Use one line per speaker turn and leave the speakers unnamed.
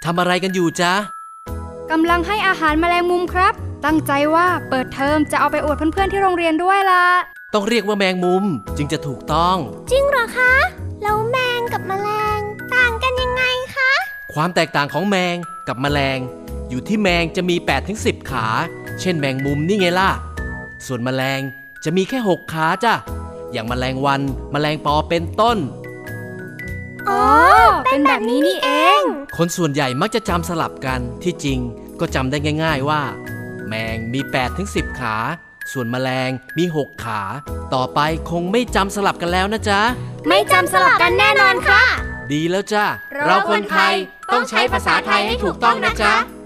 ำอะไรกันอยู่จ๊ะ
กำลังให้อาหารแมลงมุมครับตั้งใจว่าเปิดเทอมจะเอาไปอวดเพื่อนๆที่โรงเรียนด้วยล่ะ
ต้องเรียกว่าแมงมุมจึงจะถูกต้อง
จริงเหรอคะแล้วแมงกับแมลงต่างกันยังไงคะ
ความแตกต่างของแมงกับแมลงอยู่ที่แมงจะมี 8-10 ขาเช่นแมงมุมนี่ไงล่ะส่วนแมลงจะมีแค่6ขาจ้ะอย่างแมลงวันแมลงปอเป็นต้น
อ๋อเป็นแบบนี้นี่เอง
คนส่วนใหญ่มักจะจำสลับกันที่จริงก็จำได้ง่ายๆว่าแมงมี 8-10 ขาส่วนแมลงมี6ขาต่อไปคงไม่จำสลับกันแล้วนะจ๊ะ
ไม่จำสลับกันแน่นอนค่ะ
ดีแล้วจ้ะเราคนไทยต้องใช้ภาษาไทยให้ถูกต้องนะจ๊ะ